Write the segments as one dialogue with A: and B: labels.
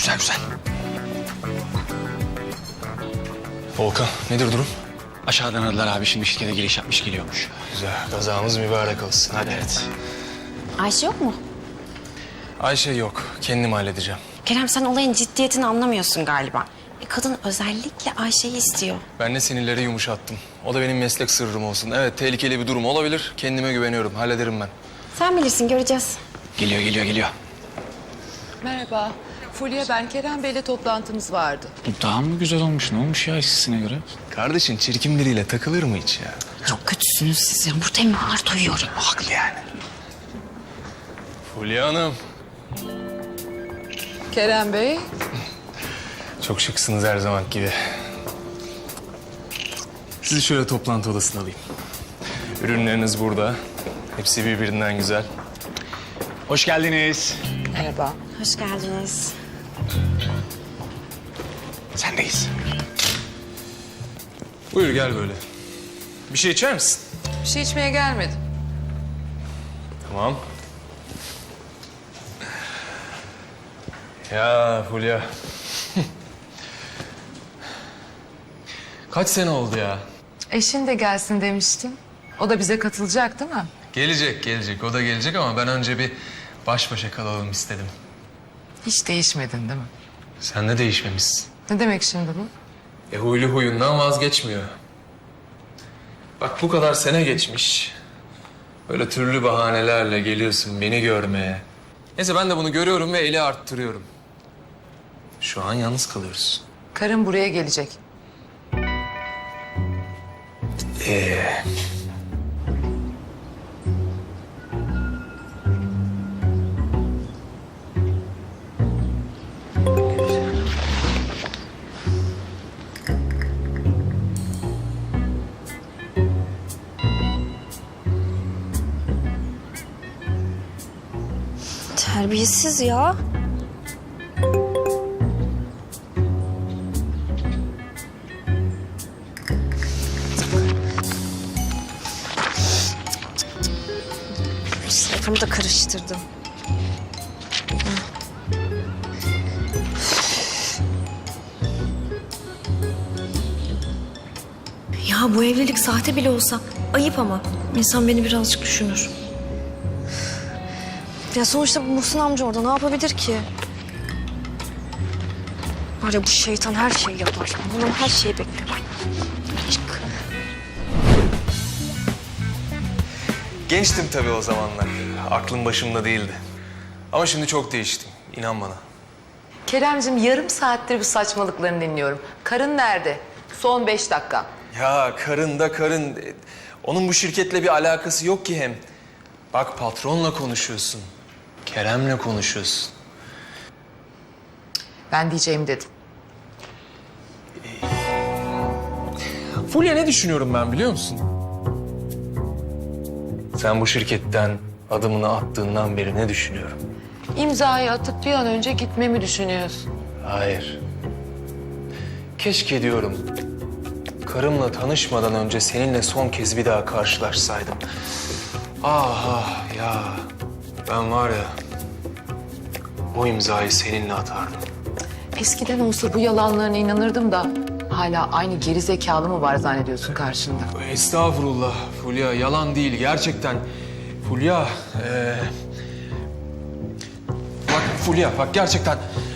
A: Güzel güzel. Volkan, nedir durum?
B: Aşağıdan aradılar abi. Şimdi şirkete giriş yapmış geliyormuş.
A: Güzel, kazamız mübarek olsun. Hadi.
B: Evet.
C: Ayşe yok mu?
A: Ayşe yok, kendim halledeceğim.
C: Kerem sen olayın ciddiyetini anlamıyorsun galiba. Kadın özellikle Ayşe'yi istiyor.
A: Ben de sinirleri yumuşattım. O da benim meslek sırrım olsun. Evet, tehlikeli bir durum olabilir. Kendime güveniyorum, hallederim ben.
C: Sen bilirsin, göreceğiz.
B: Geliyor.
D: Merhaba. Fulya ben. Kerem Bey'le toplantımız vardı.
B: Bu daha mı güzel olmuş? Ne olmuş ya eskisine göre?
A: Kardeşin çirkin biriyle takılır mı hiç ya?
C: Çok kötüsünüz siz ya. Buradayım, ağır duyuyorum.
A: Haklı yani. Fulya Hanım.
D: Kerem Bey.
A: Çok şıksınız her zaman gibi. Sizi şöyle toplantı odasına alayım. Ürünleriniz burada. Hepsi birbirinden güzel.
B: Hoş geldiniz.
D: Merhaba.
C: Hoş geldiniz.
B: Sendeyiz.
A: Buyur gel böyle. Bir şey içer misin?
D: Bir şey içmeye gelmedim.
A: Tamam. Ya Fulya. Kaç sene oldu ya?
D: Eşin de gelsin demiştin. O da bize katılacak değil mi?
A: Gelecek. O da gelecek ama ben önce bir baş başa kalalım istedim.
D: Hiç değişmedin değil mi?
A: Sen de değişmemişsin.
D: Ne demek şimdi bu?
A: Huylu huyundan vazgeçmiyor. Bak bu kadar sene geçmiş. Böyle türlü bahanelerle geliyorsun beni görmeye. Neyse ben de bunu görüyorum ve eli arttırıyorum. Şu an yalnız kalıyoruz.
D: Karın buraya gelecek.
C: Terbiyesiz ya. Sayfamı da karıştırdım.
E: Ya bu evlilik sahte bile olsa ayıp ama. İnsan beni birazcık düşünür.
C: Ya sonuçta bu Muhsin amca orada ne yapabilir ki? Var ya bu şeytan her şeyi yapar. Bundan her şeyi bekliyor. Çık.
A: Gençtim tabii o zamanlar. Aklım başımda değildi. Ama şimdi çok değiştim. İnan bana.
D: Keremcim yarım saattir bu saçmalıklarını dinliyorum. Karın nerede? Son 5 dakika.
A: Ya karın da karın. Onun bu şirketle bir alakası yok ki hem. Bak patronla konuşuyorsun. Kerem'le konuşuyorsun.
D: Ben diyeceğimi dedim.
A: Fulya ne düşünüyorum ben biliyor musun? Sen bu şirketten adımını attığından beri ne düşünüyorum?
D: İmzayı atıp bir an önce gitmemi düşünüyorsun.
A: Hayır. Keşke diyorum. Karımla tanışmadan önce seninle son kez bir daha karşılaşsaydım. Ah ya. Ben var ya. O imzayı seninle atardım.
D: Eskiden olsa bu yalanlarına inanırdım da hala aynı geri zekalı mı var zannediyorsun karşında?
A: Estağfurullah Fulya. Yalan değil gerçekten. Fulya. Bak Fulya bak gerçekten.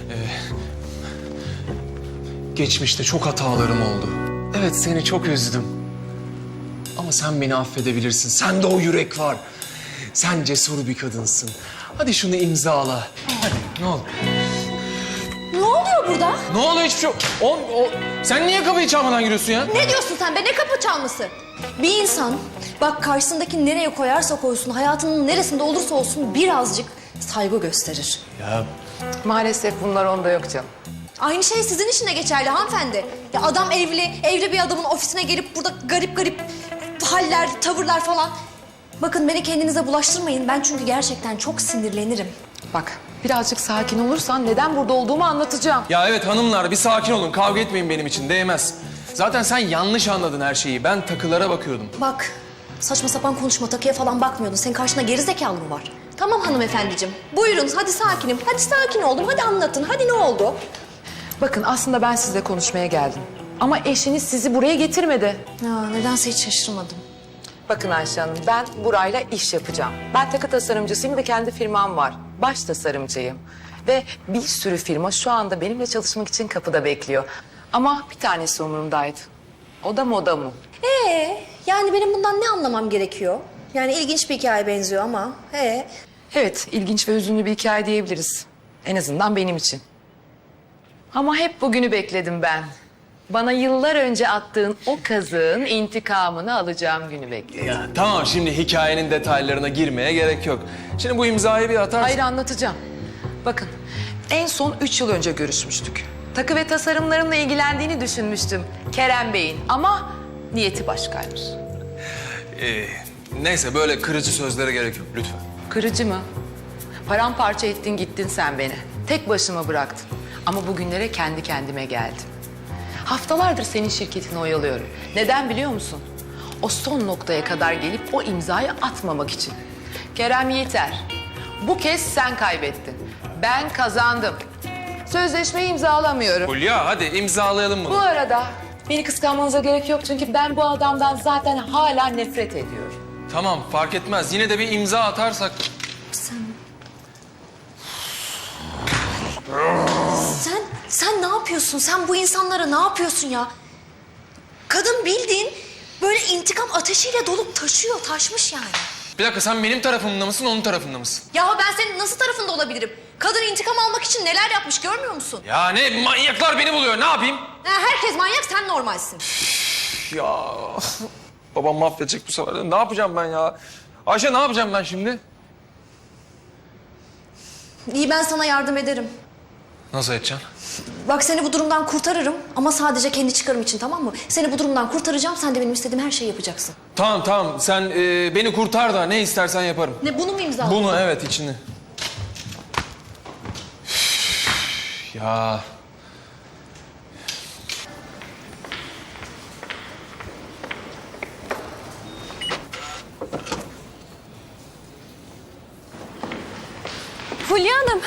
A: Geçmişte çok hatalarım oldu. Evet seni çok üzdüm. Ama sen beni affedebilirsin. Sende o yürek var. Sen cesur bir kadınsın. Hadi şunu imzala. Hadi ne olur.
E: Ne oluyor burada?
A: Ne oluyor hiçbir şey yok. Sen niye kapıyı çalmadan giriyorsun ya?
E: Ne diyorsun sen be? Ne kapı çalması? Bir insan bak karşısındaki nereye koyarsa koysun, hayatının neresinde olursa olsun birazcık saygı gösterir.
A: Ya
D: Maalesef bunlar onda yok canım.
E: Aynı şey sizin için de geçerli hanımefendi. Ya adam evli bir adamın ofisine gelip burada garip garip haller, tavırlar falan. Bakın beni kendinize bulaştırmayın. Ben çünkü gerçekten çok sinirlenirim.
D: Bak birazcık sakin olursan neden burada olduğumu anlatacağım.
A: Ya evet hanımlar bir sakin olun. Kavga etmeyin benim için. Değmez. Zaten sen yanlış anladın her şeyi. Ben takılara bakıyordum.
E: Bak saçma sapan konuşma, takıya falan bakmıyordun. Senin karşında geri zekalı mı var? Tamam hanımefendiciğim. Buyurun hadi sakinim. Hadi sakin oldum. Hadi anlatın. Hadi ne oldu?
D: Bakın aslında ben sizle konuşmaya geldim. Ama eşiniz sizi buraya getirmedi.
E: Ya nedense hiç şaşırmadım.
D: Bakın Ayşe Hanım, ben Buray'la iş yapacağım. Ben takı tasarımcısıyım ve kendi firmam var. Baş tasarımcıyım. Ve bir sürü firma şu anda benimle çalışmak için kapıda bekliyor. Ama bir tanesi umurumdaydı. O da moda mı?
E: Yani benim bundan ne anlamam gerekiyor? Yani ilginç bir hikaye benziyor ama.
D: Evet, ilginç ve hüzünlü bir hikaye diyebiliriz. En azından benim için. Ama hep bugünü bekledim ben. Bana yıllar önce attığın o kazığın intikamını alacağım günü bekledim.
A: Ya tamam, şimdi hikayenin detaylarına girmeye gerek yok. Şimdi bu imzayı bir atarsın.
D: Hayır, anlatacağım. Bakın, en son 3 yıl önce görüşmüştük. Takı ve tasarımlarımla ilgilendiğini düşünmüştüm Kerem Bey'in ama niyeti başkaymış.
A: Neyse, böyle kırıcı sözlere gerek yok lütfen.
D: Kırıcı mı? Paramparça ettin gittin sen beni. Tek başıma bıraktın. Ama bugünlere kendi kendime geldim. Haftalardır senin şirketini oyalıyorum. Neden biliyor musun? O son noktaya kadar gelip o imzayı atmamak için. Kerem yeter. Bu kez sen kaybettin. Ben kazandım. Sözleşmeyi imzalamıyorum.
A: Hulya, hadi imzalayalım bunu.
D: Bu arada beni kıskanmanıza gerek yok çünkü ben bu adamdan zaten hala nefret ediyorum.
A: Tamam, fark etmez. Yine de bir imza atarsak.
E: Sen ne yapıyorsun? Sen bu insanlara ne yapıyorsun ya? Kadın bildiğin böyle intikam ateşiyle dolup taşmış yani.
A: Bir dakika, sen benim tarafımda mısın, onun tarafında mısın?
E: Ya ben senin nasıl tarafında olabilirim? Kadın intikam almak için neler yapmış görmüyor musun?
A: Ya ne, manyaklar beni buluyor, ne yapayım?
E: Herkes manyak, sen normalsin.
A: Ya babam mahvedecek bu sefer de. Ne yapacağım ben ya? Ayşe, ne yapacağım ben şimdi?
E: İyi, ben sana yardım ederim.
A: Nasıl edeceksin?
E: Bak, seni bu durumdan kurtarırım ama sadece kendi çıkarım için, tamam mı? Seni bu durumdan kurtaracağım, sen de benim istediğim her şeyi yapacaksın.
A: Tamam, sen beni kurtar da ne istersen yaparım.
E: Ne, bunu mu imzaladın?
A: Bunu, evet, içini. Ya...
E: Fulya Hanım.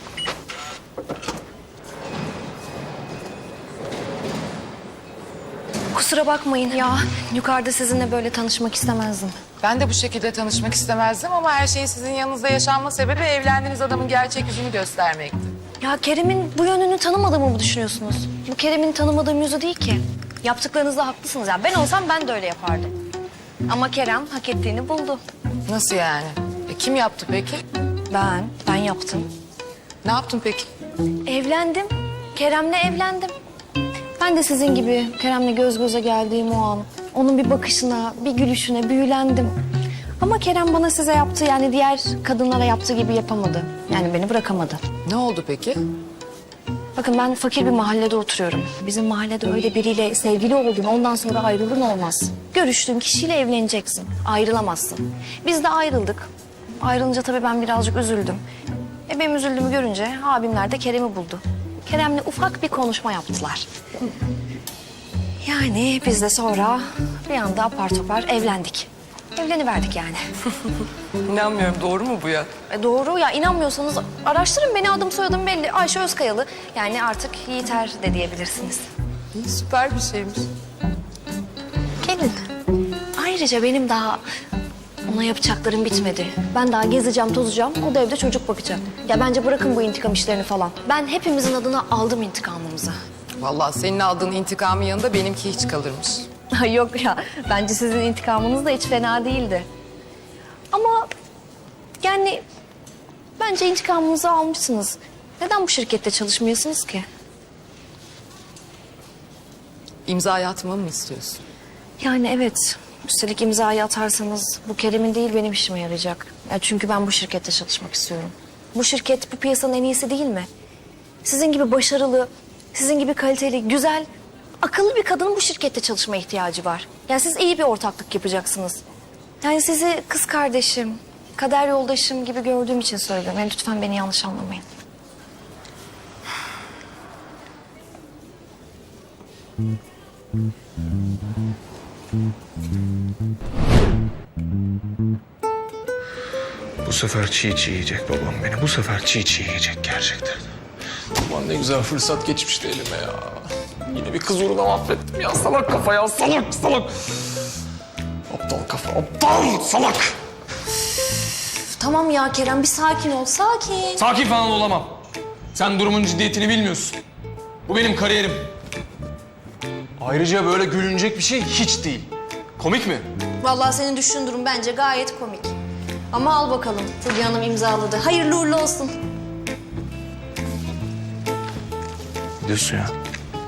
E: Kusura bakmayın ya. Yukarıda sizinle böyle tanışmak istemezdim.
D: Ben de bu şekilde tanışmak istemezdim ama her şeyin sizin yanınızda yaşanma sebebi evlendiğiniz adamın gerçek yüzünü göstermekti.
E: Ya Kerem'in bu yönünü tanımadığımı mı düşünüyorsunuz? Bu Kerem'in tanımadığım yüzü değil ki. Yaptıklarınızda haklısınız. Yani ben olsam ben de öyle yapardım. Ama Kerem hak ettiğini buldu.
D: Nasıl yani? Kim yaptı peki?
E: Ben yaptım.
D: Ne yaptın peki?
E: Evlendim. Kerem'le evlendim. Ben de sizin gibi Kerem'le göz göze geldiğim o an, onun bir bakışına, bir gülüşüne büyülendim. Ama Kerem bana size yaptığı, yani diğer kadınlara yaptığı gibi yapamadı. Yani beni bırakamadı.
D: Ne oldu peki?
E: Bakın, ben fakir bir mahallede oturuyorum. Bizim mahallede öyle biriyle sevgili oldun, ondan sonra ayrılın olmaz. Görüştüğün kişiyle evleneceksin, ayrılamazsın. Biz de ayrıldık. Ayrılınca tabii ben birazcık üzüldüm. Benim üzüldüğümü görünce abimler de Kerem'i buldu. Kerem'le ufak bir konuşma yaptılar. Yani biz de sonra bir anda apar topar evlendik. Evleniverdik yani.
D: İnanmıyorum, doğru mu bu ya?
E: Doğru ya, inanmıyorsanız araştırın beni, adım soyadım belli. Ayşe Özkayalı. Yani artık Yiğiter de diyebilirsiniz.
D: İyi, süper bir şeymiş.
E: Gelin. Ayrıca benim daha ona yapacaklarım bitmedi. Ben daha gezeceğim, tozacağım. O da evde çocuk bakacak. Ya bence bırakın bu intikam işlerini falan. Ben hepimizin adına aldım intikamımızı.
D: Vallahi senin aldığın intikamın yanında benimki hiç kalırmış.
E: Ay yok ya, bence sizin intikamınız da hiç fena değildi. Ama yani bence intikamınızı almışsınız. Neden bu şirkette çalışmıyorsunuz ki?
D: İmzayı atmamı mı istiyorsun?
E: Yani evet. Üstelik imzayı atarsanız bu Kerem'in değil benim işime yarayacak. Ya çünkü ben bu şirkette çalışmak istiyorum. Bu şirket bu piyasanın en iyisi değil mi? Sizin gibi başarılı, sizin gibi kaliteli, güzel, akıllı bir kadının bu şirkette çalışmaya ihtiyacı var. Yani siz iyi bir ortaklık yapacaksınız. Yani sizi kız kardeşim, kader yoldaşım gibi gördüğüm için söylüyorum. Yani lütfen beni yanlış anlamayın.
A: Bu sefer çiğ çiğ yiyecek babam beni. Bu sefer çiğ çiğ yiyecek gerçekten. Ulan ne güzel fırsat geçmişti elime ya. Yine bir kız uğruna mahvettim ya. Salak kafa ya. Salak salak. Aptal kafa. Aptal salak.
E: Tamam ya Kerem, bir sakin ol, sakin.
A: Sakin falan olamam. Sen durumun ciddiyetini bilmiyorsun. Bu benim kariyerim. Ayrıca böyle gülünecek bir şey hiç değil. Komik mi?
E: Vallahi senin düştüğün durum bence gayet komik. Ama al bakalım, Fulya Hanım imzaladı. Hayırlı uğurlu olsun.
A: Ne diyorsun ya?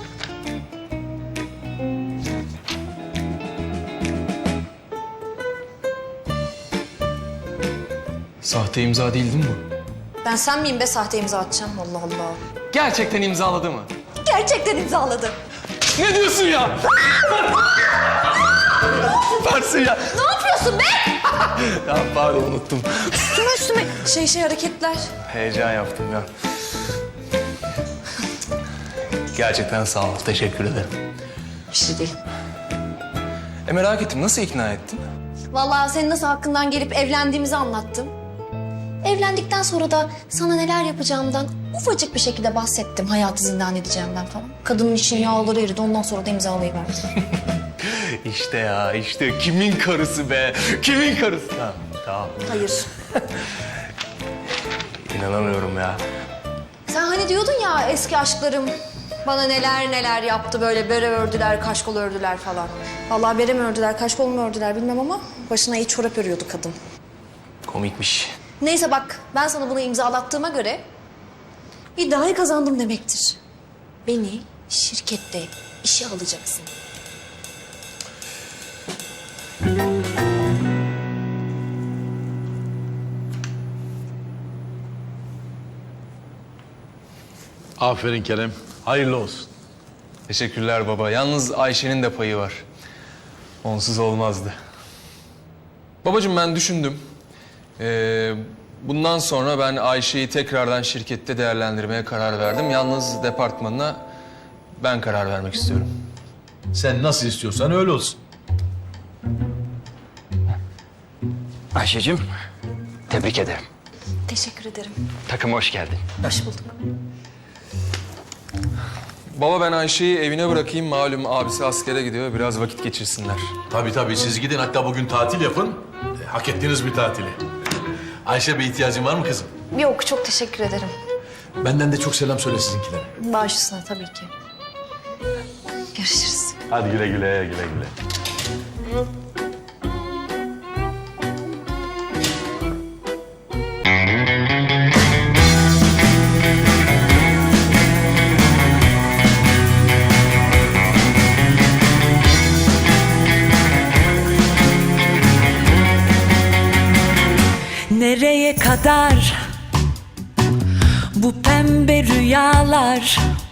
A: Sahte imza değil mi bu?
E: Ben sen miyim be sahte imza atacağım? Allah Allah.
A: Gerçekten imzaladı mı?
E: Gerçekten imzaladı.
A: Ne diyorsun ya? Süpersin ya.
E: Ne yapıyorsun be?
A: Ya pardon unuttum.
E: Üstüme hareketler.
A: Heyecan yaptım ya. Gerçekten sağ ol. Teşekkür ederim.
E: Bir şey değil.
A: Merak ettim. Nasıl ikna ettin?
E: Vallahi senin nasıl hakkından gelip evlendiğimizi anlattım. Evlendikten sonra da sana neler yapacağımdan ufacık bir şekilde bahsettim. Hayatı zindan edeceğimden falan. Kadının için yağları eridi. Ondan sonra da imzalayıverdim.
A: İşte ya işte. Kimin karısı be? Kimin karısı? Tamam. Tamam.
E: Hayır.
A: İnanamıyorum ya.
E: Sen hani diyordun ya eski aşklarım bana neler neler yaptı, böyle bere ördüler, kaşkol ördüler falan. Vallahi bere mi ördüler, kaşkol mu ördüler bilmem ama başına iyi çorap örüyordu kadın.
A: Komikmiş.
E: Neyse bak, ben sana bunu imzalattığıma göre iddiayı kazandım demektir. Beni şirkette işe alacaksın.
F: Aferin Kerem. Hayırlı olsun.
A: Teşekkürler baba. Yalnız Ayşe'nin de payı var. Onsuz olmazdı. Babacığım ben düşündüm. Bundan sonra ben Ayşe'yi tekrardan şirkette değerlendirmeye karar verdim. Yalnız departmanına ben karar vermek istiyorum.
F: Sen nasıl istiyorsan öyle olsun.
B: Ayşe'cim, tebrik ederim.
E: Teşekkür ederim.
B: Takıma hoş geldin.
E: Hoş bulduk.
A: Baba ben Ayşe'yi evine bırakayım. Malum abisi askere gidiyor. Biraz vakit geçirsinler.
F: Tabii siz gidin, hatta bugün tatil yapın. Hak ettiğiniz bir tatili. Ayşe, bir ihtiyacın var mı kızım?
E: Yok, çok teşekkür ederim.
F: Benden de çok selam söyle sizinkilere.
E: Baş üstüne tabii ki. Görüşürüz.
F: Hadi güle güle.
G: Nereye kadar bu pembe rüyalar?